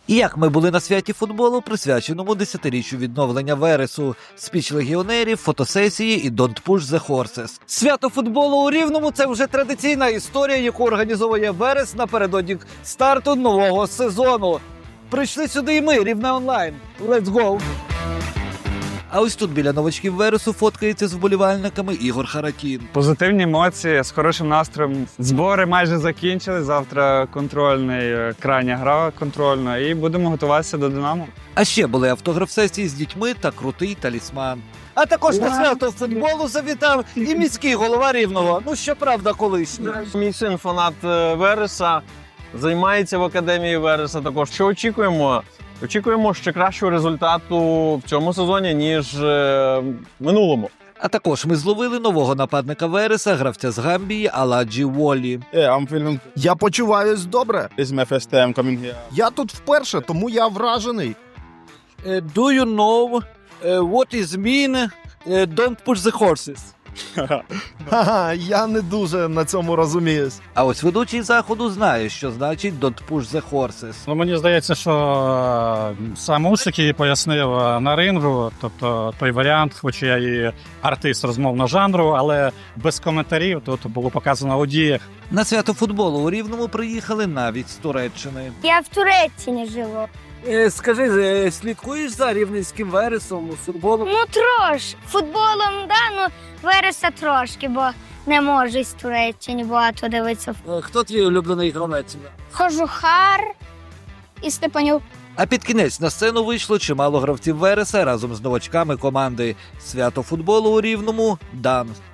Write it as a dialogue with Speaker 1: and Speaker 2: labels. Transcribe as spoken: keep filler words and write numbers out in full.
Speaker 1: І як ми були на святі футболу, присвяченому десятиріччю відновлення Вересу, спіч легіонерів, фотосесії і Don't Push the Horses. Свято футболу у Рівному – це вже традиційна історія, яку організовує Верес напередодні старту нового сезону. Прийшли сюди і ми, Рівне онлайн. Let's go! А ось тут біля новачків Вересу фоткається з вболівальниками Ігор Харакін.
Speaker 2: Позитивні емоції, з хорошим настроєм. Збори майже закінчили, завтра контрольний, крайня гра контрольна і будемо готуватися до «Динамо».
Speaker 1: А ще були автограф-сесії з дітьми та крутий талісман. А також на свято футболу завітав і міський голова Рівного, ну щоправда колишній.
Speaker 3: Мій син фанат е, Вереса, займається в академії Вереса також. Що очікуємо? Очікуємо ще кращого результату в цьому сезоні, ніж е, в минулому.
Speaker 1: А також ми зловили нового нападника Вереса, гравця з Гамбії Аладжі Волі.
Speaker 4: Yeah, I'm feeling...
Speaker 5: Я почуваюсь добре.
Speaker 4: This is my first time coming here.
Speaker 5: Я тут вперше, тому я вражений.
Speaker 1: Uh, do you know uh, what is mean uh, don't push the horses?
Speaker 5: Ха-ха, я не дуже на цьому розуміюсь.
Speaker 1: А ось ведучий заходу знає, що значить don't push the horses.
Speaker 6: Ну, мені здається, що е, сам Усик її пояснив е, на рингу, тобто той варіант, хоч я і артист розмовного жанру, але без коментарів, тут було показано у діях.
Speaker 1: На свято футболу у Рівному приїхали навіть з Туреччини.
Speaker 7: Я в Туреччині живу.
Speaker 1: Скажи, слідкуєш за рівненським Вересом у футболу?
Speaker 7: Ну трош. Футболом, да, ну Вереса трошки, бо не можу з Туреччини багато дивитися.
Speaker 1: Хто твій улюблений гравець?
Speaker 7: Кожухар і Степанюк.
Speaker 1: А під кінець на сцену вийшло чимало гравців Вереса разом з новачками команди. Свято футболу у Рівному – дан.